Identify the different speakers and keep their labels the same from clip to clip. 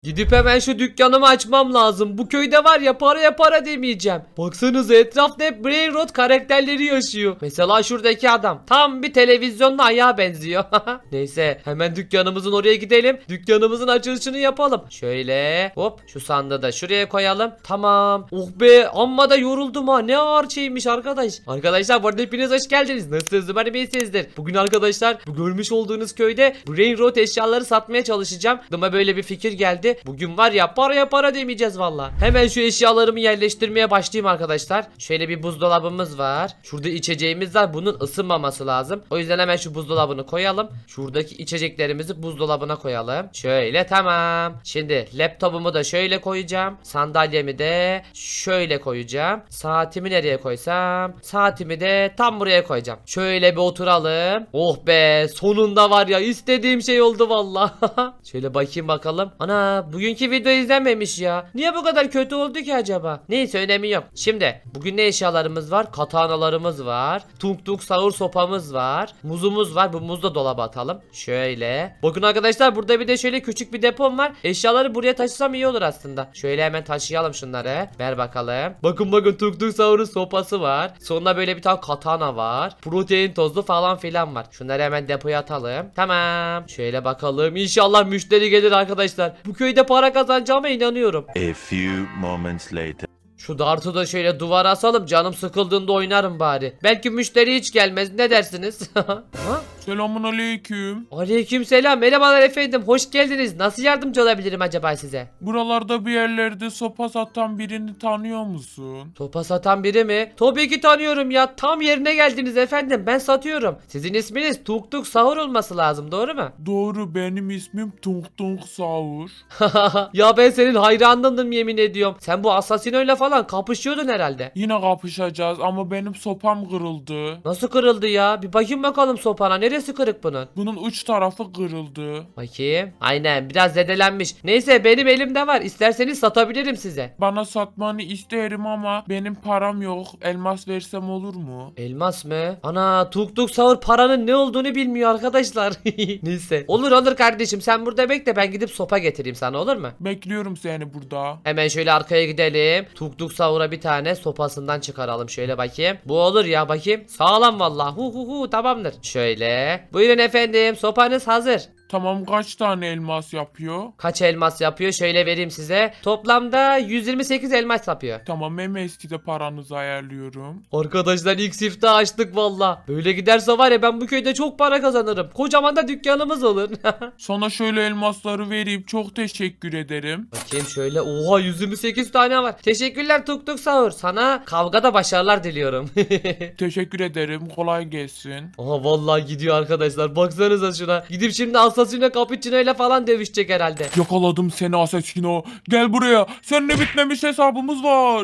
Speaker 1: Gidip hemen şu dükkanımı açmam lazım. Bu köyde var ya paraya para demeyeceğim. Baksanıza etrafta hep Brain Rot karakterleri yaşıyor. Mesela şuradaki adam. Tam bir televizyonda ayağa benziyor. Neyse hemen dükkanımızın oraya gidelim. Dükkanımızın açılışını yapalım. Şöyle hop şu sandığı da şuraya koyalım. Tamam. Oh be amma da yoruldum ha. Ne ağır şeymiş arkadaş. Arkadaşlar bu arada hepiniz hoş geldiniz. Nasılsınız? Umarım iyisinizdir. Bugün arkadaşlar bu görmüş olduğunuz köyde Brain Rot eşyaları satmaya çalışacağım. Aklıma böyle bir fikir geldi. Bugün var ya paraya para demeyeceğiz valla. Hemen şu eşyalarımı yerleştirmeye başlayayım arkadaşlar. Şöyle bir buzdolabımız var. Şurada içeceğimiz var. Bunun ısınmaması lazım. O yüzden hemen şu buzdolabını koyalım. Şuradaki içeceklerimizi buzdolabına koyalım. Şöyle tamam. Şimdi laptopumu da şöyle koyacağım. Sandalyemi de şöyle koyacağım. Saatimi nereye koysam? Saatimi de tam buraya koyacağım. Şöyle bir oturalım. Oh be sonunda var ya istediğim şey oldu valla. Şöyle bakayım bakalım. Ana bugünkü video izlenmemiş ya. Niye bu kadar kötü oldu ki acaba? Neyse önemi yok. Şimdi bugün ne eşyalarımız var? Katanalarımız var. Tung tung sahur sopamız var. Muzumuz var. Bu muzu da dolaba atalım. Şöyle. Bakın arkadaşlar burada bir de şöyle küçük bir depom var. Eşyaları buraya taşısam iyi olur aslında. Şöyle hemen taşıyalım şunları. Ver bakalım. Bakın tung tung sahurun sopası var. Sonunda böyle bir tane katana var. Protein tozu falan filan var. Şunları hemen depoya atalım. Tamam. Şöyle bakalım. İnşallah müşteri gelir arkadaşlar. Bu köyde para kazanacağıma inanıyorum.
Speaker 2: A few moments later.
Speaker 1: Şu dartı da şöyle duvara asalım. Canım sıkıldığında oynarım bari. Belki müşteri hiç gelmez. Ne dersiniz? Ha?
Speaker 3: Selamun aleyküm.
Speaker 1: Aleykümselam. Merhabalar efendim. Hoş geldiniz. Nasıl yardımcı olabilirim acaba size?
Speaker 3: Buralarda bir yerlerde sopa satan birini tanıyor musun?
Speaker 1: Sopa satan biri mi? Tabii ki tanıyorum ya. Tam yerine geldiniz efendim. Ben satıyorum. Sizin isminiz Tuk Tuk Sahur olması lazım. Doğru mu?
Speaker 3: Doğru, benim ismim Tung Tung Sahur.
Speaker 1: Ya ben senin hayranındım yemin ediyorum. Sen bu asasinoyla falan kapışıyordun herhalde.
Speaker 3: Yine kapışacağız ama benim sopam kırıldı.
Speaker 1: Nasıl kırıldı ya? Bir bakayım bakalım sopana. Neresi kırık bunun?
Speaker 3: Bunun uç tarafı kırıldı.
Speaker 1: Bakayım. Aynen biraz zedelenmiş. Neyse benim elimde var. İsterseniz satabilirim size.
Speaker 3: Bana satmanı isterim ama benim param yok. Elmas versem olur mu?
Speaker 1: Elmas mı? Ana Tuk Tuk Sahur paranın ne olduğunu bilmiyor arkadaşlar. Neyse. Olur kardeşim sen burada bekle ben gidip sopa getireyim sana olur mu?
Speaker 3: Bekliyorum seni burada.
Speaker 1: Hemen şöyle arkaya gidelim. Tuk Tuk Sahur'a bir tane sopasından çıkaralım. Şöyle bakayım. Bu olur ya bakayım. Sağlam valla. Tamamdır. Şöyle. Buyurun efendim sopanız hazır.
Speaker 3: Tamam, kaç tane elmas yapıyor?
Speaker 1: Kaç elmas yapıyor? Şöyle vereyim size. Toplamda 128 elmas yapıyor.
Speaker 3: Tamam, MS'de paranızı ayarlıyorum.
Speaker 1: Arkadaşlar ilk siftahı açtık valla. Böyle giderse var ya ben bu köyde çok para kazanırım. Kocaman da dükkanımız olur.
Speaker 3: Sana şöyle elmasları vereyim, çok teşekkür ederim.
Speaker 1: Bakayım şöyle. Oha 128 tane var. Teşekkürler Tuk Tuk Sahur. Sana kavgada başarılar diliyorum.
Speaker 3: Teşekkür ederim, kolay gelsin.
Speaker 1: Aha vallahi gidiyor arkadaşlar. Baksanıza şuna. Gidip şimdi Asasino Cappuccino ile falan dövüşecek herhalde.
Speaker 3: Yakaladım seni Asesino. Gel buraya. Seninle bitmemiş hesabımız var.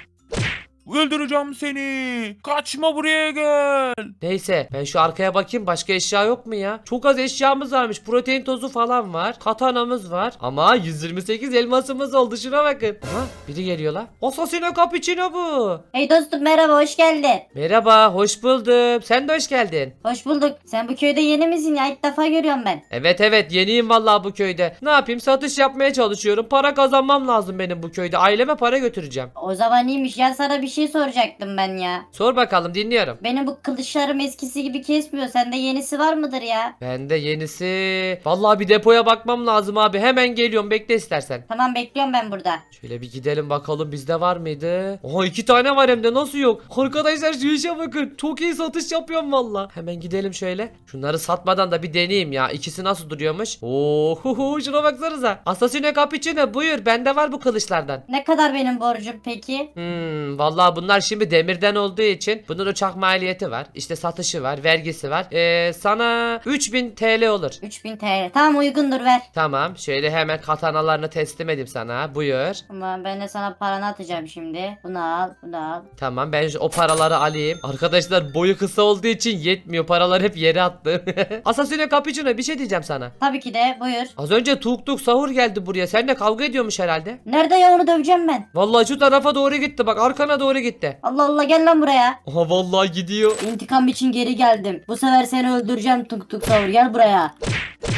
Speaker 3: Öldüreceğim seni. Kaçma, buraya gel.
Speaker 1: Neyse ben şu arkaya bakayım başka eşya yok mu ya? Çok az eşyamız varmış. Protein tozu falan var. Katanamız var. Ama 128 elmasımız oldu şuna bakın. Aha biri geliyor la. Asasino Cappuccino bu.
Speaker 4: Hey dostum, merhaba, hoş geldin.
Speaker 1: Merhaba hoş buldum. Sen de hoş geldin.
Speaker 4: Hoş bulduk. Sen bu köyde yeni misin ya? İlk defa görüyorum ben.
Speaker 1: Evet yeniyim vallahi bu köyde. Ne yapayım satış yapmaya çalışıyorum. Para kazanmam lazım benim bu köyde. Aileme para götüreceğim.
Speaker 4: O zaman iyiymiş ya, sana bir şey soracaktım ben ya.
Speaker 1: Sor bakalım dinliyorum.
Speaker 4: Benim bu kılıçlarım eskisi gibi kesmiyor. Sende yenisi var mıdır ya?
Speaker 1: Bende yenisi. Vallahi bir depoya bakmam lazım abi. Hemen geliyorum bekle istersen.
Speaker 4: Tamam, bekliyorum ben burada.
Speaker 1: Şöyle bir gidelim bakalım bizde var mıydı? Oha 2 tane var hem de nasıl yok? Arkadaşlar şu işe bakın. Çok iyi satış yapıyorum valla. Hemen gidelim şöyle. Şunları satmadan da bir deneyeyim ya. İkisi nasıl duruyormuş? Oo şuna baksanıza. Asasino Cappuccino buyur bende var bu kılıçlardan.
Speaker 4: Ne kadar benim borcum peki?
Speaker 1: Vallahi bunlar şimdi demirden olduğu için bunun uçak maliyeti var. İşte satışı var, vergisi var. Sana 3000 TL olur.
Speaker 4: 3000 TL. Tamam, uygundur, ver.
Speaker 1: Tamam, şöyle hemen katanalarını teslim edeyim sana. Buyur.
Speaker 4: Ama ben de sana paranı atacağım şimdi. Bunu al, bunu al.
Speaker 1: Tamam, ben o paraları alayım. Arkadaşlar boyu kısa olduğu için yetmiyor. Paralar hep yere attı. Asasino Cappuccino bir şey diyeceğim sana.
Speaker 4: Tabii ki de, buyur.
Speaker 1: Az önce Tuk Tuk Sahur geldi buraya. Seninle kavga ediyormuş herhalde.
Speaker 4: Nerede ya, onu döveceğim ben.
Speaker 1: Vallahi şu tarafa doğru gitti. Bak arkana doğru gitti.
Speaker 4: Allah Allah, gel lan buraya.
Speaker 1: Aha vallahi gidiyor.
Speaker 4: İntikam için geri geldim. Bu sefer seni öldüreceğim Tuk Tuk Savur, gel buraya.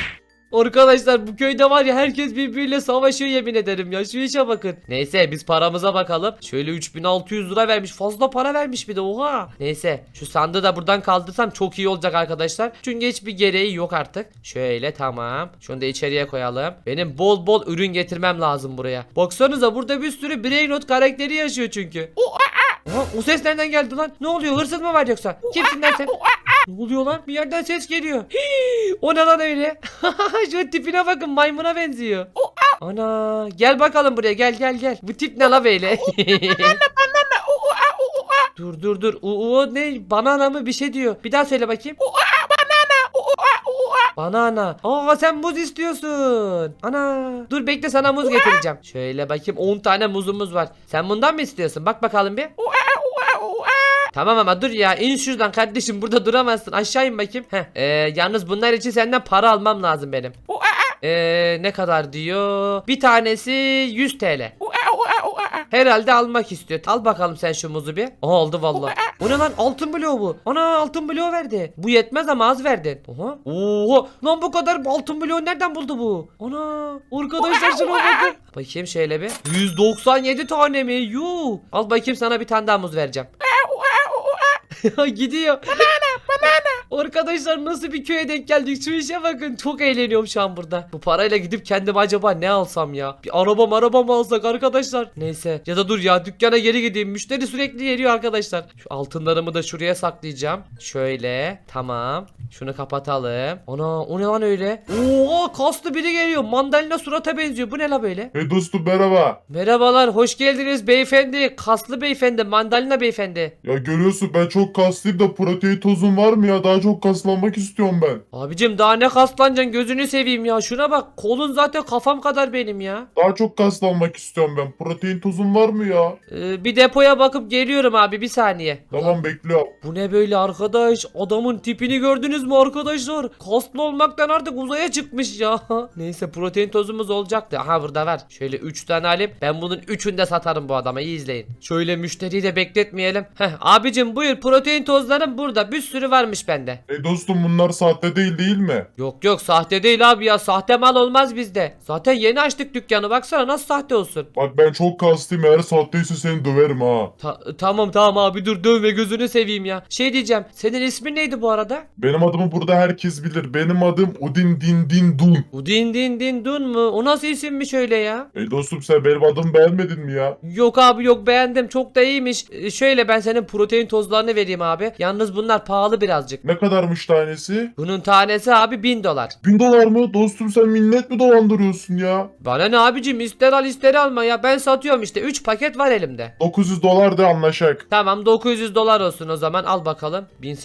Speaker 1: Arkadaşlar bu köyde var ya herkes birbiriyle savaşıyor yemin ederim ya. Şu işe bakın. Neyse biz paramıza bakalım. Şöyle 3600 lira vermiş. Fazla para vermiş bir de oha. Neyse şu sandığı da buradan kaldırsam çok iyi olacak arkadaşlar. Çünkü hiçbir gereği yok artık. Şöyle tamam. Şunu da içeriye koyalım. Benim bol bol ürün getirmem lazım buraya. Baksanıza burada bir sürü Brainrot karakteri yaşıyor çünkü. Oha, o ses nereden geldi lan? Ne oluyor? Hırsız mı var yoksa? Kimsin lan sen? Ne oluyor lan? Bir yerden ses geliyor. Hii, o ne lan öyle? Şu tipine bakın maymuna benziyor. Ana gel bakalım buraya gel. Bu tip ne la böyle? Dur. O ne? Banana mı bir şey diyor. Bir daha söyle bakayım. Banana. Aa sen muz istiyorsun. Ana. Dur bekle sana muz getireceğim. Şöyle bakayım 10 tane muzumuz var. Sen bundan mı istiyorsun? Bak bakalım bir. Tamam ama dur ya in şuradan kardeşim burada duramazsın aşağı in bakayım. Yalnız bunlar için senden para almam lazım benim. Ne kadar diyor? Bir tanesi 100 TL. Herhalde almak istiyor. Al bakalım sen şu muzu bir. Aa, aldı vallahi. O ne lan altın bloğu bu. Ana altın bloğu verdi. Bu yetmez ama az verdin. Oha. Oha. Lan bu kadar altın bloğu nereden buldu bu? Ana. Arkadaşlar şuna bakın. Bakayım şöyle bir. 197 tane mi? Yuh. Al bakayım sana bir tane daha muz vereceğim. Gidiyor. Arkadaşlar nasıl bir köye denk geldik şu işe bakın çok eğleniyorum şu an burada. Bu parayla gidip kendime acaba ne alsam ya? Bir araba mı alsak arkadaşlar? Neyse ya da dur ya dükkana geri gideyim müşteri sürekli geliyor arkadaşlar. Şu altınlarımı da şuraya saklayacağım. Şöyle tamam şunu kapatalım. Ana o ne lan öyle? Oo kaslı biri geliyor mandalina surata benziyor bu ne la böyle?
Speaker 5: Hey dostum merhaba.
Speaker 1: Merhabalar hoş geldiniz beyefendi kaslı beyefendi mandalina beyefendi.
Speaker 5: Ya görüyorsun ben çok kaslıyım da protein tozum var mı ya? Daha çok kaslanmak istiyorum ben.
Speaker 1: Abicim daha ne kaslanacaksın gözünü seveyim ya şuna bak kolun zaten kafam kadar benim ya.
Speaker 5: Daha çok kaslanmak istiyorum ben. Protein tozum var mı ya?
Speaker 1: Bir depoya bakıp geliyorum abi bir saniye.
Speaker 5: Tamam bekliyorum.
Speaker 1: Bu ne böyle arkadaş adamın tipini gördünüz mü arkadaşlar? Kaslı olmaktan artık uzaya çıkmış ya. Neyse protein tozumuz olacaktı. Aha burada var. Şöyle 3 tane alayım. Ben bunun 3'ünü de satarım bu adama iyi izleyin. Şöyle müşteriyi de bekletmeyelim. Abicim buyur protein tozlarım burada bir sürü varmış bende.
Speaker 5: Hey dostum bunlar sahte değil mi?
Speaker 1: Yok sahte değil abi ya sahte mal olmaz bizde. Zaten yeni açtık dükkanı baksana nasıl sahte olsun.
Speaker 5: Bak ben çok kaslıyım eğer sahteyse seni döverim ha.
Speaker 1: Tamam abi dur dövme gözünü seveyim ya. Şey diyeceğim senin ismin neydi bu arada?
Speaker 5: Benim adımı burada herkes bilir. Benim adım Udin Din Dun.
Speaker 1: Udin din dun mu? O nasıl isimmiş öyle ya?
Speaker 5: Hey dostum sen benim adımı beğenmedin mi ya?
Speaker 1: Yok abi yok beğendim çok da iyiymiş. Şöyle ben senin protein tozlarını vereyim abi. Yalnız bunlar pahalı birazcık.
Speaker 5: Ne kadarmış tanesi?
Speaker 1: Bunun tanesi abi $1000.
Speaker 5: $1000 mı? Dostum sen millet mi dolandırıyorsun ya?
Speaker 1: Bana ne abicim ister al ister alma ya ben satıyorum işte 3 paket var elimde.
Speaker 5: $900 de anlaşak.
Speaker 1: Tamam $900 olsun o zaman al bakalım.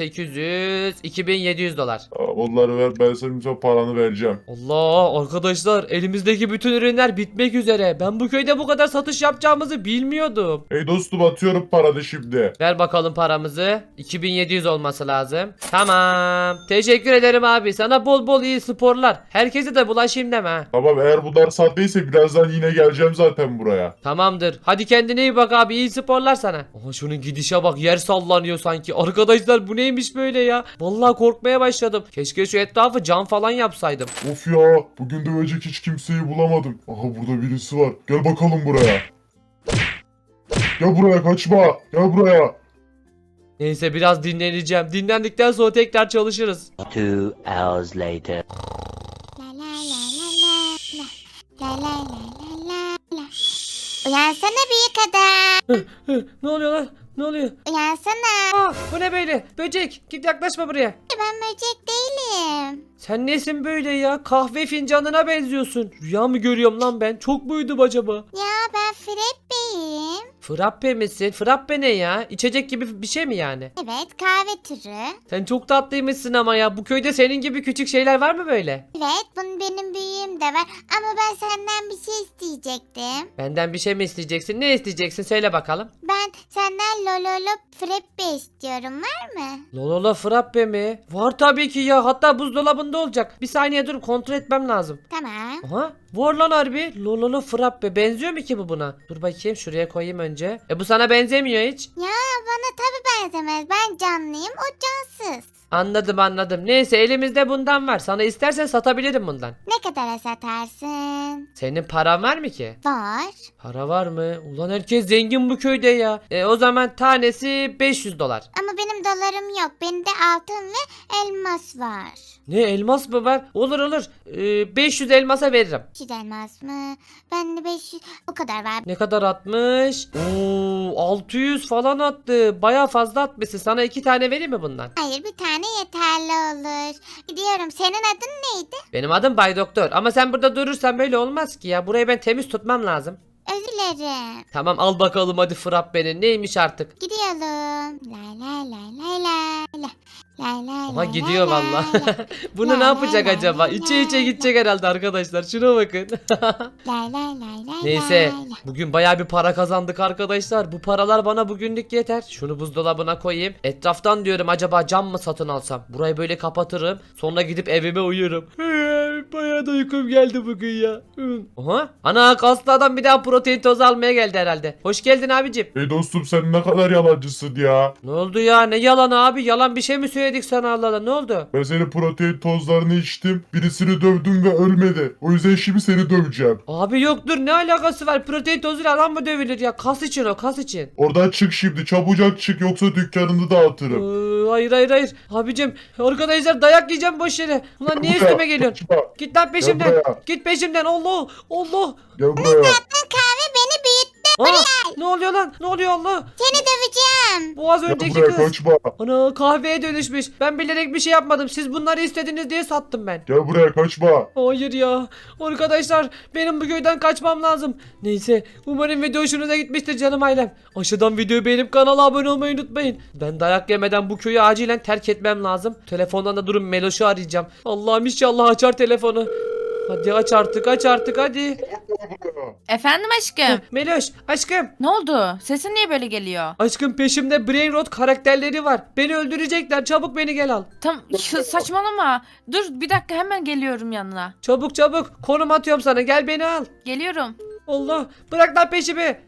Speaker 1: 1800 $2700.
Speaker 5: Onları ver ben senin paranı vereceğim.
Speaker 1: Allah arkadaşlar elimizdeki bütün ürünler bitmek üzere. Ben bu köyde bu kadar satış yapacağımızı bilmiyordum.
Speaker 5: Hey dostum atıyorum paranı şimdi.
Speaker 1: Ver bakalım paramızı. 2700 olması lazım. Tamam. Teşekkür ederim abi. Sana bol bol iyi sporlar. Herkese de bulaşayım deme ha.
Speaker 5: Tamam eğer bunlar sahteyse birazdan yine geleceğim zaten buraya.
Speaker 1: Tamamdır. Hadi kendine iyi bak abi. İyi sporlar sana. Aha şunun gidişe bak. Yer sallanıyor sanki. Arkadaşlar bu neymiş böyle ya? Vallahi korkmaya başladım. Keşke şu etrafı cam falan yapsaydım.
Speaker 5: Of ya bugün dövecek hiç kimseyi bulamadım. Aha burada birisi var. Gel bakalım buraya. Gel buraya kaçma. Gel buraya.
Speaker 1: Neyse biraz dinleneceğim. Dinlendikten sonra tekrar çalışırız.
Speaker 6: 2 hours later.
Speaker 7: La la la la la la la la la la la. Uyansana büyük adam.
Speaker 1: Ne oluyor lan? Ne oluyor?
Speaker 7: Uyansana.
Speaker 1: Aa, bu ne böyle? Böcek. Git yaklaşma buraya.
Speaker 7: Ben böcek değilim.
Speaker 1: Sen nesin böyle ya? Kahve fincanına benziyorsun. Rüya mı görüyorum lan ben? Çok muydum acaba?
Speaker 7: Ya ben Fredbe'yim.
Speaker 1: Frappe misin? Frappe ne ya? İçecek gibi bir şey mi yani?
Speaker 7: Evet kahve türü.
Speaker 1: Sen çok tatlıymışsın ama ya. Bu köyde senin gibi küçük şeyler var mı böyle?
Speaker 7: Evet bunun benim büyüğüm de var. Ama ben senden bir şey isteyecektim.
Speaker 1: Benden bir şey mi isteyeceksin? Ne isteyeceksin? Söyle bakalım.
Speaker 7: Ben senden Lololo Fredbe istiyorum var mı?
Speaker 1: Lololo frappe mi? Var tabii ki ya. Hatta buzdolabında olacak. Bir saniye dur kontrol etmem lazım.
Speaker 7: Tamam.
Speaker 1: Aha var lan harbi. Lololo frappe. Benziyor mu ki bu buna? Dur bakayım şuraya koyayım önce. Bu sana benzemiyor hiç.
Speaker 7: Ya bana tabii benzemez. Ben canlıyım, o cansız.
Speaker 1: Anladım. Neyse elimizde bundan var. Sana istersen satabilirim bundan.
Speaker 7: Ne kadara satarsın?
Speaker 1: Senin paran var mı ki?
Speaker 7: Var.
Speaker 1: Para var mı? Ulan herkes zengin bu köyde ya. O zaman tanesi 500 dolar.
Speaker 7: Ama benim dolarım yok. Bende altın ve elmas var.
Speaker 1: Ne elmas mı var? Olur. 500 elmasa veririm.
Speaker 7: 200 elmas mı? Bende 500 o kadar var.
Speaker 1: Ne kadar atmış? Oo 600 falan attı. Baya fazla atmışsın. Sana 2 tane vereyim mi bundan?
Speaker 7: Hayır, bir tane yeterli olur. Gidiyorum. Senin adın neydi?
Speaker 1: Benim adım Bay Doktor. Ama sen burada durursan böyle olmaz ki ya. Burayı ben temiz tutmam lazım.
Speaker 7: Özür dilerim.
Speaker 1: Tamam al bakalım hadi frappenin. Neymiş artık?
Speaker 7: Gidiyorum. Lay lay lay lay lay lay. Lay lay
Speaker 1: Aha
Speaker 7: lay
Speaker 1: gidiyor
Speaker 7: lay
Speaker 1: valla.
Speaker 7: lay.
Speaker 1: Bunu
Speaker 7: La
Speaker 1: ne
Speaker 7: la
Speaker 1: yapacak
Speaker 7: la
Speaker 1: acaba?
Speaker 7: la
Speaker 1: İçe
Speaker 7: la
Speaker 1: gidecek herhalde arkadaşlar. Şuna bakın.
Speaker 7: Lay lay lay lay
Speaker 1: Neyse
Speaker 7: lay lay.
Speaker 1: bugün baya bir para kazandık arkadaşlar. Bu paralar bana bugünlük yeter. Şunu buzdolabına koyayım. Etraftan diyorum acaba cam mı satın alsam? Burayı böyle kapatırım. Sonra gidip evime uyurum. Baya da uykum geldi bugün ya. Aha. Ana kaslı adam bir daha protein tozu almaya geldi herhalde. Hoş geldin abicim.
Speaker 5: Hey dostum sen ne kadar yalancısın ya.
Speaker 1: Ne oldu ya? Ne yalan abi? Yalan bir şey mi söyledik sana Allah Allah? Ne oldu?
Speaker 5: Ben senin protein tozlarını içtim. Birisini dövdüm ve ölmedi. O yüzden şimdi seni döveceğim.
Speaker 1: Abi yoktur ne alakası var? Protein tozuyla adam mı dövülür ya? Kas için o kas için.
Speaker 5: Oradan çık şimdi. Çabucak çık yoksa dükkanını dağıtırım.
Speaker 1: Hayır. Abicim arkadaşlar dayak yiyeceğim boş yere. Ulan niye
Speaker 5: Buraya,
Speaker 1: üstüme geliyorsun?
Speaker 5: kaçma.
Speaker 1: Git lan peşimden.
Speaker 5: buraya.
Speaker 1: Git peşimden. Allah.
Speaker 5: Gel buraya.
Speaker 7: Kahve beni büyüttü.
Speaker 1: Ne oluyor lan? Ne oluyor Allah?
Speaker 7: Seni döveceğim.
Speaker 1: Bu az
Speaker 5: Gel
Speaker 1: önceki
Speaker 5: buraya
Speaker 1: kız.
Speaker 5: kaçma.
Speaker 1: Ana kahveye dönüşmüş. Ben bilerek bir şey yapmadım. Siz bunları istediniz diye sattım ben.
Speaker 5: Gel buraya kaçma.
Speaker 1: Hayır ya. Arkadaşlar benim bu köyden kaçmam lazım. Neyse umarım video hoşunuza gitmiştir canım ailem. Aşağıdan videoyu beğenip kanala abone olmayı unutmayın. Ben dayak yemeden bu köyü acilen terk etmem lazım. Telefondan da durun Meloş'u arayacağım. Allah'ım inşallah açar telefonu. Hadi aç artık hadi.
Speaker 8: Efendim aşkım.
Speaker 1: Meloş aşkım.
Speaker 8: Ne oldu? Sesin niye böyle geliyor?
Speaker 1: Aşkım peşimde Brain Rot karakterleri var. Beni öldürecekler. Çabuk beni gel al.
Speaker 8: Saçmalama. Dur bir dakika hemen geliyorum yanına.
Speaker 1: Çabuk. Konum atıyorum sana. Gel beni al.
Speaker 8: Geliyorum.
Speaker 1: Allah. Bırak lan peşimi.